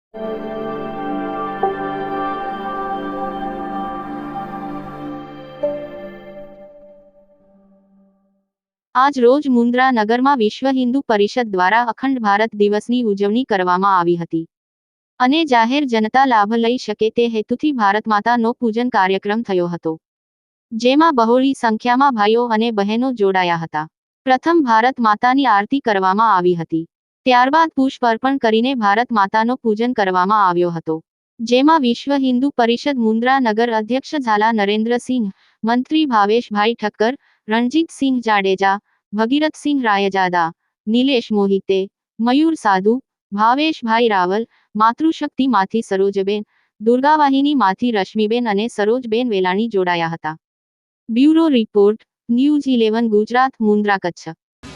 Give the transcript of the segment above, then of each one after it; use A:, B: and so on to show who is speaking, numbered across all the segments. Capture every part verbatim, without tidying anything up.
A: આજ રોજ મુન્દ્રા નગરમાં વિશ્વ હિન્દુ પરિષદ દ્વારા અખંડ ભારત દિવસની ઉજવણી કરવામાં આવી હતી અને જાહેર જનતા લાભ લઈ શકે તે હેતુથી ભારત માતાનો પૂજન કાર્યક્રમ થયો હતો, જેમાં બહોળી સંખ્યામાં ભાઈઓ અને બહેનો જોડાયા હતા. પ્રથમ ભારત માતાની આરતી કરવામાં આવી હતી, ત્યારબાદ પુષ્પ અર્પણ કરીને ભારત માતાનો પૂજન કરવામાં આવ્યો હતો, જેમાં વિશ્વ હિન્દુ પરિષદ મુન્દ્રા નગર અધ્યક્ષ ઝાલા નરેન્દ્રસિંહ, મંત્રી ભાવેશભાઈ ઠક્કર, રણજીતસિંહ જાડેજા, ભગીરથસિંહ રાયજાદા, નિલેશ મોહિતે, મયુર સાધુ, ભાવેશભાઈ રાવલ, માતૃશક્તિ માંથી સરોજબેન, દુર્ગાવાહિની માંથી રશ્મિબેન અને સરોજબેન વેલાણી જોડાયા હતા. Bureau report, news eleven Gujarat, Mundra, Kutch.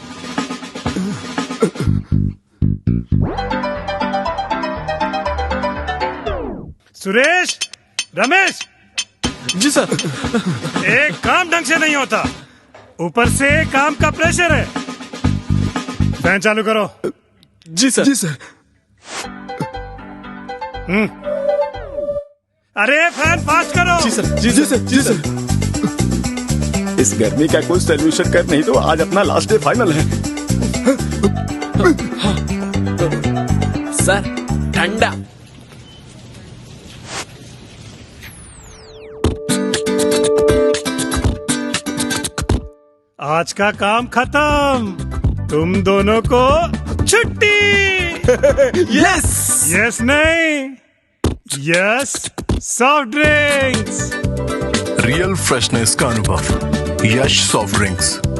B: Suresh, Ramesh
C: ji sir.
B: एक काम ढंग से नहीं होता, ऊपर से काम का प्रेशर है. फैन चालू करो.
C: जी सर. जी सर.
B: हम्म. अरे फैन फास्ट करो.
C: जी सर. जी जी सर. जी सर.
D: इस गर्मी का कोई सोल्यूशन कर, नहीं तो आज अपना लास्ट डे फाइनल है.
C: सर ठंडा.
B: आज का काम खत्म, तुम दोनों को छुट्टी.
C: यस.
B: यस नहीं, yes soft drinks.
E: Real freshness का अनुभव, यश सॉफ्ट ड्रिंक्स.